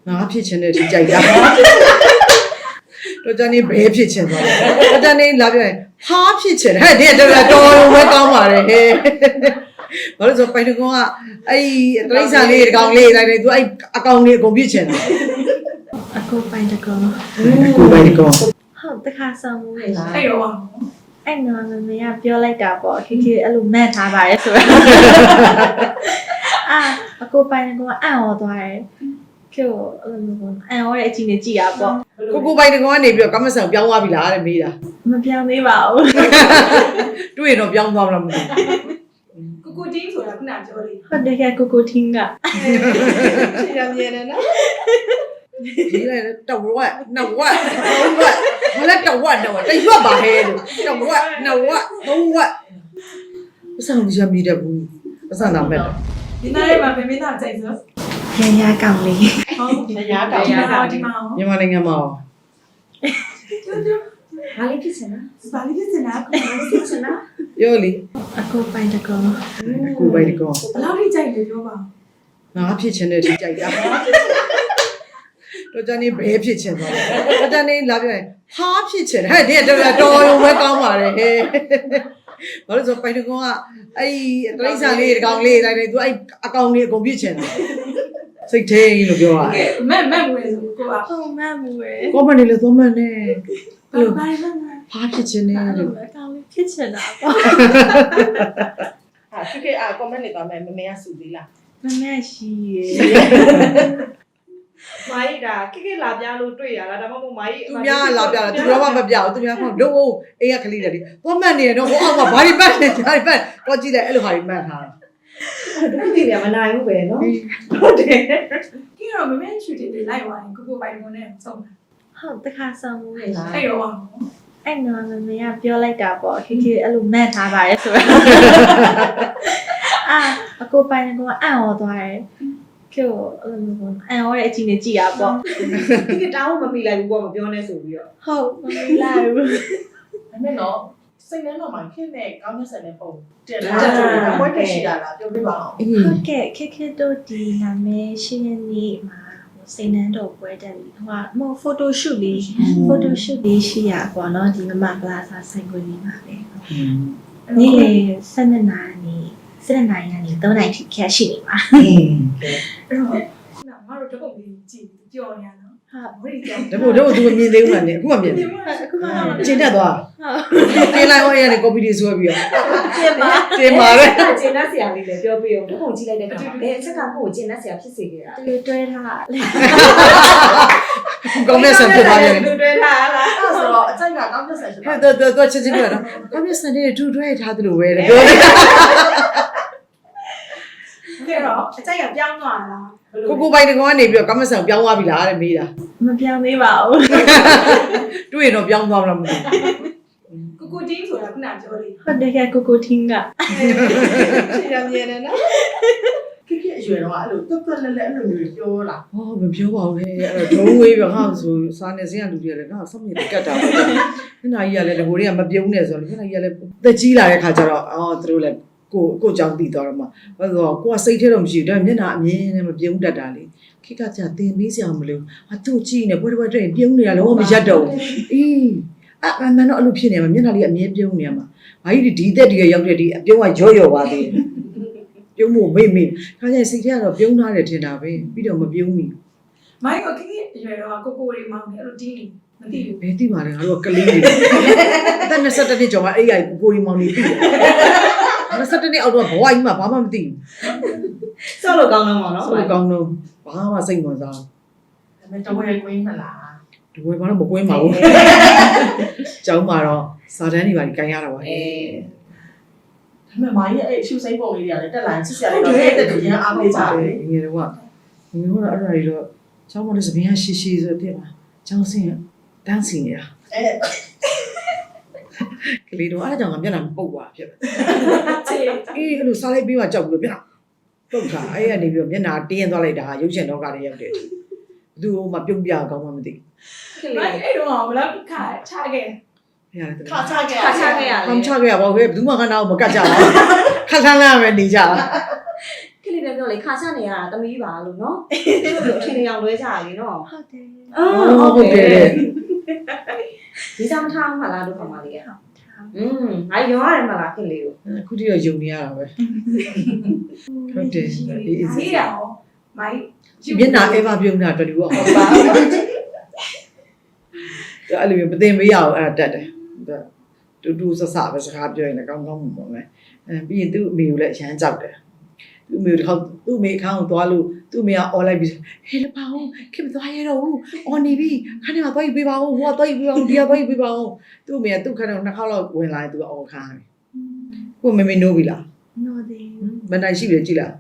ငါဖြစ်ချင်တဲ့ဒီကြိုက်တာတော့တန်းနေဘဲဖြစ်ချင်သွားတယ်တန်းနေလာပြောရင်ဟာဖြစ်ချင်ဟဲ့ဒီတော်ဝဲကောင်းပါတယ်ဟဲ့ဘာလို့ဆိုပိုင်တကွန်ကအဲ့တရိစ္ဆာန်လေးတကောင်လေးတိုင်းသူအဲ့အကောင်လေးအကုန်ဖြစ်ချင်တယ်အကိုပိုင်တကွန်ကိုပိုင်တကွန်ဟုတ်တခါဆောင်မှုလေလားအဲ့တော့အဲ့နော်မမေကပြောလိုက်တာပေါ့ခေခေအဲ့လိုမှတ်ထားပါတယ်ဆိုတော့အကိုပိုင်တကွန်အံ့ဩသွားတယ်ကျို့အဲ့လိုပေါ့အံ့ဩတဲ့အချိန်နဲ့ကြည်ရပေါ့ကိုပိုင်တကွန်ကနေပြီးတော့ကမ္မဆန်ပြောင်းသွားပြီလားတဲ့မေးတာမပြောင်းသေးပါဘူးတွေ့ရင်တော့ပြောင်းသွားမလားမသိကိုတင်းဆိုတာခုနပြောလေဟုတ်တယ်ကကိုထင်းကရှင်းရမြင်တယ်နော်ဒီလည်းတဝက်နှစ်ဝက်သုံးဝက်မလဲတဝက်တရွက်ပါဟဲလို့တဝက်နှစ်ဝက်သုံးဝက်ပစံမရမိတဲ့ဘူးပစံနာမဲ့ဒီနေ့မှာဖေမင်းသားကြိုက်စို့ရကောင်လေးဟုတ်ရကောင်ဒီမှာမြန်မာနိုင်ငံမှာဘာလေးဖြစ်စင်လားဘာလေးဖြစ်စင်လားကိုဖြစ်စင်လားပြောလေအကိုပိုင်တကွန်ကိုပိုင်တကွန်ဘယ်လောက်ထိကြိုက်လဲပြောပါငါဖြစ်ချင်တဲ့ဒီကြိုက်တာတော့တန်းနေဘဲဖြစ်ချင်သွားတယ်တန်းနေလာပြောရင်ဟာဖြစ်ချင်ဟဲ့ဒီတော်ဝဲကောင်းပါတယ်ဟဲ့ဘာလို့ဆိုပိုင်တကွန်ကအဲ့တရိစ္ဆာန်လေးတကောင်လေးတိုင်းသူအဲ့အကောင်လေးအကုန်ဖြစ်ချင်တယ်စိတ်ထဲလို့ပြောတာမက်မွေးဆိုကိုကဟုတ်မက်မွေးကောမန်နေလို့သုံးမန်နေဘာလို့ဘာလဲဟာဖြစ်ချင်နေလို့အကောင်လေးဖြစ်ချင်တာပေါ့ဟာခေကွန်မန့်နေသွားမယ်မမေကစူသေးလားမမေရှိရယ်မာကြီးဒါခေလာပြလို့တွေ့ရလားဒါမှမဟုတ်မာကြီးသူများလာပြတာသူတော့မပြဘူးသူများဟုတ်လို့အိမ်ကကလေးတယ်သုံးမန်နေတော့ဟိုအောက်ကဘာဒီပတ်နေဘာဒီပတ်တော့ကြည့်တယ်အဲ့လိုဟာဒီမှတ်ထားတာဒီနေရာမနိုင်ဘူးပဲနော်ဟုတ်တယ်ဒီတော့မမေချူတယ်လိုက်သွားရင်ကိုပိုင်ကုန်နဲ့ဆုံးတာဟုတ်တခါဆောင်မှုလေလားအဲ့တော့အဲ့နော်မမေကပြောလိုက်တာပေါ့ခေခေအဲ့လိုမှတ်ထားပါတယ်ဆိုတော့အကိုပိုင်ကအံ့ဩသွားတယ်ကျို့အဲ့လိုပေါ့အံ့ဩတဲ့အချိန်နဲ့ကြည်ရပေါ့ဒီတောင်းမမိလိုက်ဘူးပေါ့မပြောနဲ့ဆိုပြီးတော့ဟုတ်မမိလိုက်ဘူးဒါနဲ့တော့စိတ်ထဲမှာခင်နဲ့ကောင်းတဲ့ဆန်တဲ့ပုံတင်လာတယ်ဘွဲ့တက်ရှိတာလားပြောပြပါအောင်ဟုတ်ကဲ့ခေတို့ဒီနာမည်ရှင်းနေမှာစိတ်နှမ်းတော့ပွဲတက်ပြီဟိုကမဟုတ်ဖိုတိုရှူလေးရှိရပေါ့နော်ဒီမမပလာဇာဆိုင်ခွေလေးမှာပဲနေ့လေ7နာရီကနေ3နာရီထိခက်ရှိနေပါအဲ့တော့ငါတို့တပုတ်လေးကြည့်ကြော်နေရနော်ဟာဘယ်ကြော်တော့သူမမြင်သေးဘူးလားနေအခုမှမြင်တယ်အခုမှကျင်းတတ်သွားတင်လိုက်ဟောရနေကော်ပီတွေဆွဲပြီးတော့တင်ပါလေကျင်းတတ်ဆရာလေးလည်းပြောပြအောင်ဘုံကြည့်လိုက်တဲ့အခါဘယ်အချက်ကကိုကျင်းတတ်ဆရာဖြစ်စေခဲ့တာသူတွဲထားကောင်းတဲ့ဆန်ဖြစ်သွားတယ်သူတွဲထားလားအဲ့ဆိုတော့အချက်ကကောင်းတဲ့ဆန်ဖြစ်သွားတော့ချက်ချင်းပြောတော့ကောင်းတဲ့ဆန်တွေတူတွဲထားတယ်လို့ပဲပြောတယ်အဲ့တော့အချက်ကပြောင်းသွားလားကိုပိုင်တကွန်ကနေပြီးတော့ကမ္မဆန်ပြောင်းသွားပြီလားတဲ့မေးတာမပြောင်းသေးပါဘူးတွေ့ရင်တော့ပြောင်းသွားမလားမသိကိုတင်းဆိုတာခုနပြောလေဟုတ်တယ်ကကိုထင်းကရှင်းရမြင်တယ်နော်ခေအရွယ်တော့အဲ့လိုတွတ်တွတ်လဲလဲအဲ့လိုမျိုးပြောလားဟောမပြောပါဘူးဟဲ့အဲ့တော့ဒုံးဝေးပြငါဆိုစားနေစင်းကလူတွေလည်းငါဆောက်မြေကတ်တာပဲခဏကြီးကလည်းဒီကိုတွေကမပြုံးနဲ့ဆိုတော့ခဏကြီးကလည်းသက်ကြီးလာတဲ့ခါကျတော့သူတို့လည်းကိုကြောင့်တည်သွားတော့မှဘာလို့ဆိုကိုကစိတ်ထဲတော့မရှိဘူးဒါပေမဲ့မျက်နှာအမြင်နဲ့မပြုံးတတ်တာလေခိကကြာတင်ပေးစရာမလိုသူ့ကြည့်နေပွဲတွေ့ရင်ပြုံးနေတာလုံးဝမရက်တော့ဘူးအေးအမှန်တော့အဲ့လိုဖြစ်နေမှာမျက်နှာလေးအမြင်ပြုံးနေရမှာဘာကြီးဒီသက်တည်းရောက်တဲ့ဒီအပြုံးကရော့ပါသေးတယ်ပြုံးဖို့မေ့ခါကျရင်စိတ်ထဲကတော့ပြုံးထားတယ်ထင်တာပဲပြီးတော့မပြုံးဘူးမိုင်းကခေအရွယ်တော့ကိုတွေမောင်းနေအဲ့လိုတင်းနေမသိဘူးဘယ်သိပါလဲငါတို့ကလေးတွေအသက်22နှစ်ကျော်မှအဲ့ရိုက်ကိုတွေမောင်းနေပြီ22နှစ်အောက်တော့ဘဝကြီးမှာဘာမှမသိဘူးဆော့လို့ကောင်းတော့မှာနော်ဆော့လို့ကောင်းတော့ဘာမှစိတ်ဝင်စားဒါပေမဲ့တော့ဝယ်ကွင်းမလားဒီဝယ်ဘာလို့မကွင်းပါဘူးကျောင်းမှာတော့စာတန်းတွေပါကြီးကန်ရတာပါဒါပေမဲ့မာကြီးအဲ့ရှူစိမ့်ပုံလေးတွေကလည်းတက်လာချစ်စရာလေးတော့တဲ့တူရန်အားပေးကြတယ်ငယ်တော့အဲ့ဒါတွေတော့ကျောင်းမှာလည်းစပင်းရရှိဆိုတဲ့မှာကျောင်းဆင်းတန်းစီနေတာကလေးတော့အဲ့ဒါကြောင့်ငါမျက်နှာပုတ်သွားဖြစ်တယ်အေးအဲ့လိုစားလိုက်ပြီးမှကြောက်ပြီးတော့မျက်နှာပုတ်တာအဲ့ကနေပြီးတော့မျက်နှာတင်းသွားလိုက်တာရုပ်ရှင်တော့ကလည်းရောက်တယ်ဘသူ့မှပြုံးပြကောင်းမှမသိဘူးအဲ့တော့ဘယ်လောက်ခါချခဲ့ခါချခဲ့ရလဲခါချခဲ့ရပါဘူးဘယ်သူမှကနာကိုမကတ်ကြဘူးခက်ခန်းလာပဲနေကြတာခခင်လေးလည်းပြောလေခါချနေရတာတမီးပါလို့နော်သူတို့အထင်ကြီးအောင်လွဲကြရလေနော်ဟုတ်တယ်ဟုတ်တယ်ဒီစားမထားမှလားတို့ခမလေးကထားငါရောရတယ်မလားခင်လေးကိုအခုတိတော့ယုံနေရတာပဲဟုတ်တယ်အေးရအောင်မိုင်းမျက်နှာအဲပါပြုံးတာတော်တူအောင်ပါအဲ့လိုမသိမရအောင်အဲ့တက်တယ်တူတူဆဆပဲစကားပြောရင်လည်းကောင်းကောင်းမှာပဲပြီးရင်သူ့အမေကိုလည်းအရန်ကြောက်တယ်သူ့အမေတစ်ခါသူ့အမေအခန်းကိုသွားလို့သူ့အမေကအော်လိုက်ပြီးဟဲ့လပါဦးခင်မသွားရတော့ဘူးအော်နေပြီခဏမှသွားယူပေးပါဦးဟိုကသွားယူပေးပါဦးဒီကသွားယူပေးပါဦးသူ့အမေကသူ့ခန်းတော့နှစ်ခေါက်လောက်ဝင်လာရင်သူကအော်ခါတယ်ကိုမေမေနိုးပြီလားနော်တယ်မနိုင်ရှိပြီကြည်လား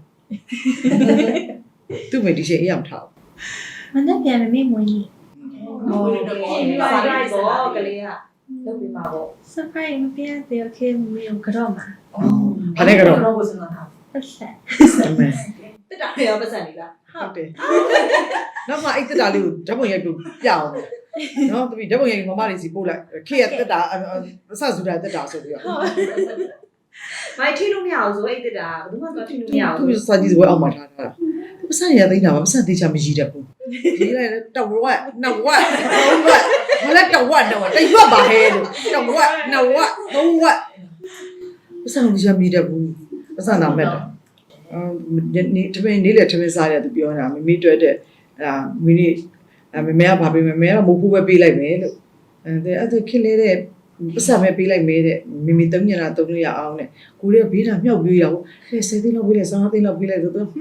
သူ့အမေဒီချိန်အေးအောင်ထားမနေ့ပြန်မမေ့မွေးနေဟုတ်တယ်ပါလိုက်ပေါ့ကလေးကလုပ်ပြီးပါပေါ့ surprise မပြသေးโอเคမမေ့ကိုကြော့မှာဘာလဲကတော့တော့ဘုစနာတာပတ်ဆက်တက်တာရောပတ်စံနေလားဟုတ်တယ်နောက်မှအဲ့တက်တာလေးကိုဓာတ်ပုံရိုက်ပြီးပြအောင်နော်တပည့်ဓာတ်ပုံရိုက်မမလေးစီပို့လိုက်ခေရတက်တာအဆဆူတာတက်တာဆိုပြီးတော့မိုက်ထိလို့မရအောင်ဆိုအဲ့တက်တာဘယ်သူမှသွားထိလို့မရအောင်သူစာကြည့်စပွဲအောက်မှာထားတာပတ်စံရသိနေတာပတ်စံသေးချာမရည်တတ်ဘူးရေးလိုက်တဝက်နှစ်ဝက်သုံးဝက်ဘာလဲတဝက်တရွက်ပါဟဲလို့တဝက်နှစ်ဝက်သုံးဝက်ပတ်စံမရည်တတ်ဘူးပတ်စံနာမဲ့တယ်နေတပင်းနေလေတပင်းစားတယ်သူပြောတာမမေတွေ့တဲ့မင်းนี่မမေကဘာပေးမလဲမမေကမိုးဖူးပဲပေးလိုက်မယ်လို့အဲ့ဒါခက်လေတဲ့ပတ်စံပဲပေးလိုက်မယ်တဲ့မိမိ3ညတာ3လို့ရအောင်တဲ့ကိုရဲဘေးတာမြောက်ပြေးရအောင်10သိန်းလောက်ပေးလိုက်15သိန်းလောက်ပေးလိုက်ဆိုတော့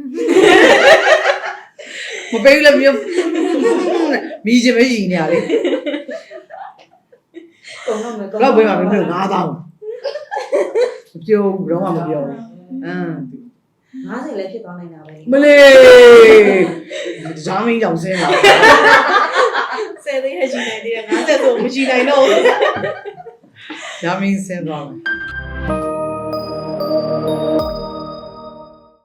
မပေးလည်းမြောက်မိချင်ပဲရည်နေရလေကုန်တော့မယ်ဘယ်ပေးမှာမင်းတို့9000မပြောဘူးတော့မှမပြောဘူး 90လည်းဖြစ်သွားနိုင်တာပဲမလေးဇာမင်းကြောင့်ဆင်းလာ 10သိန်းရရှိနေသေးတယ်50ဆိုမရှိနိုင်တော့ဘူးဇာမင်းဆင်းသွားမယ်